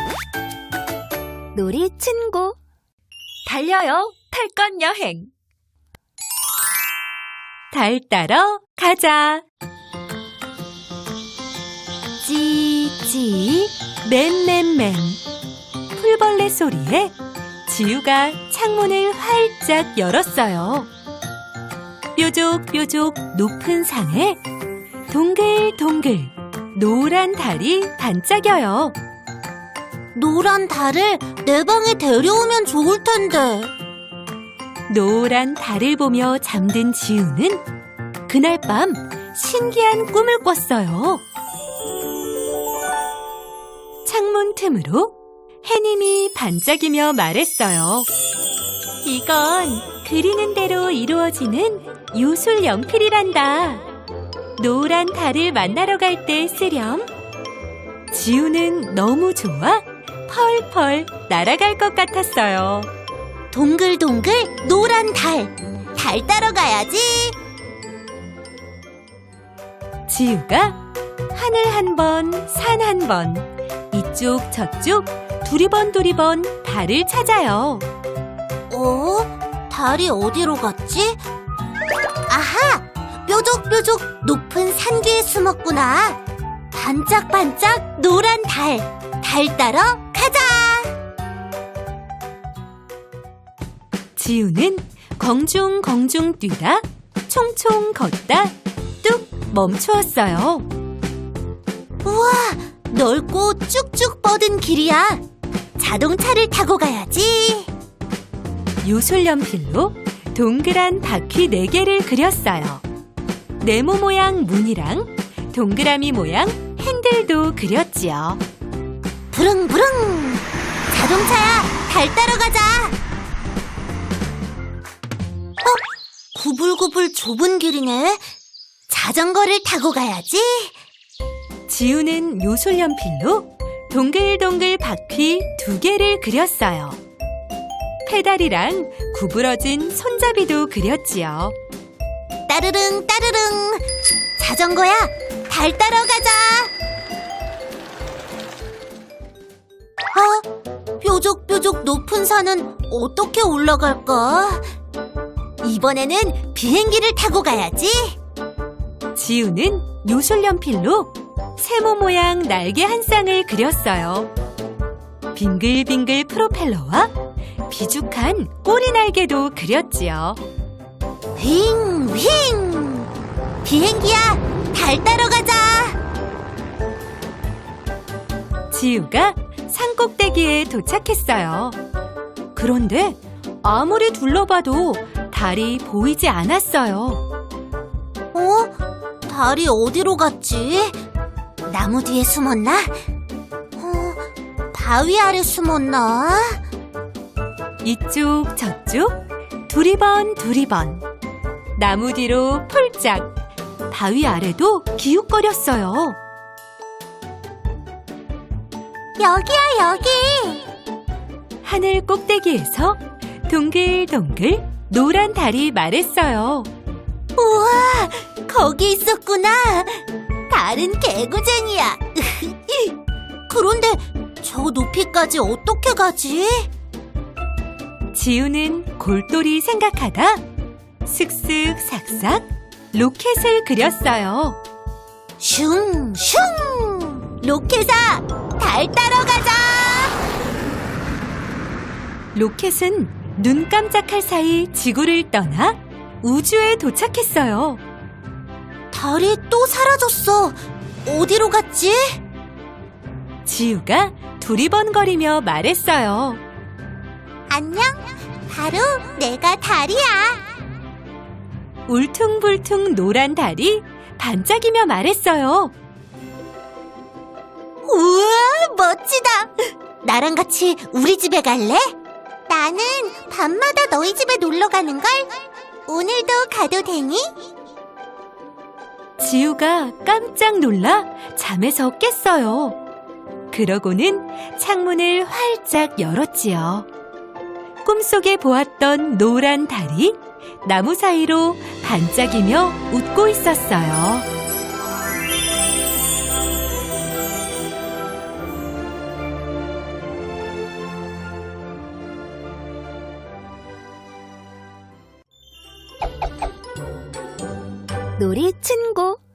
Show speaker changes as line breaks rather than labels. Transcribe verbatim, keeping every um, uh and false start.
놀이 친구 달려요 탈것 여행 달 따러 가자. 찌찌 맨맨맨 풀벌레 소리에 지우가 창문을 활짝 열었어요. 뾰족뾰족 높은 상에 동글동글 노란 달이 반짝여요.
노란 달을 내 방에 데려오면 좋을 텐데.
노란 달을 보며 잠든 지우는 그날 밤 신기한 꿈을 꿨어요. 창문 틈으로 해님이 반짝이며 말했어요. 이건 그리는 대로 이루어지는 요술 연필이란다. 노란 달을 만나러 갈 때 쓰렴. 지우는 너무 좋아 펄펄 날아갈 것 같았어요.
동글동글 노란 달, 달 따러 가야지.
지우가 하늘 한 번, 산 한 번, 이쪽 저쪽 두리번 두리번 달을 찾아요.
어? 달이 어디로 갔지? 아하! 뾰족뾰족 높은 산 뒤에 숨었구나. 반짝반짝 노란 달, 달 따러 가자!
지우는 공중공중 뛰다 총총 걷다 뚝 멈추었어요.
우와! 넓고 쭉쭉 뻗은 길이야. 자동차를 타고 가야지.
요술연필로 동그란 바퀴 네 개를 그렸어요. 네모 모양 문이랑 동그라미 모양 핸들도 그렸지요.
부릉부릉! 자동차야, 달 따러 가자! 어? 구불구불 좁은 길이네. 자전거를 타고 가야지.
지우는 요술연필로 동글동글 바퀴 두 개를 그렸어요. 페달이랑 구부러진 손잡이도 그렸지요.
따르릉 따르릉! 자전거야, 달 따러 가자! 어? 뾰족뾰족 높은 산은 어떻게 올라갈까? 이번에는 비행기를 타고 가야지.
지우는 요술연필로 세모 모양 날개 한 쌍을 그렸어요. 빙글빙글 프로펠러와 비죽한 꼬리 날개도 그렸지요.
윙, 윙! 비행기야, 달 따러 가자!
지우가 산 꼭대기에 도착했어요. 그런데 아무리 둘러봐도 달이 보이지 않았어요.
어? 달이 어디로 갔지? 나무 뒤에 숨었나? 어, 바위 아래 숨었나?
이쪽 저쪽 두리번 두리번 나무 뒤로 폴짝 바위 아래도 기웃거렸어요.
여기야, 여기!
하늘 꼭대기에서 동글동글 노란 달이 말했어요.
우와, 거기 있었구나. 달은 개구쟁이야. 그런데 저 높이까지 어떻게 가지?
지우는 골똘히 생각하다 슥슥 삭삭 로켓을 그렸어요.
슝, 슝! 로켓아, 달 따러 가자!
로켓은 눈 깜짝할 사이 지구를 떠나 우주에 도착했어요.
달이 또 사라졌어. 어디로 갔지?
지우가 두리번거리며 말했어요.
안녕, 바로 내가 달이야.
울퉁불퉁 노란 달이 반짝이며 말했어요.
우와, 멋지다. 나랑 같이 우리 집에 갈래? 나는 밤마다 너희 집에 놀러 가는걸. 오늘도 가도 되니?
지우가 깜짝 놀라 잠에서 깼어요. 그러고는 창문을 활짝 열었지요. 꿈속에 보았던 노란 달이 나무 사이로 반짝이며 웃고 있었어요. 놀이 친구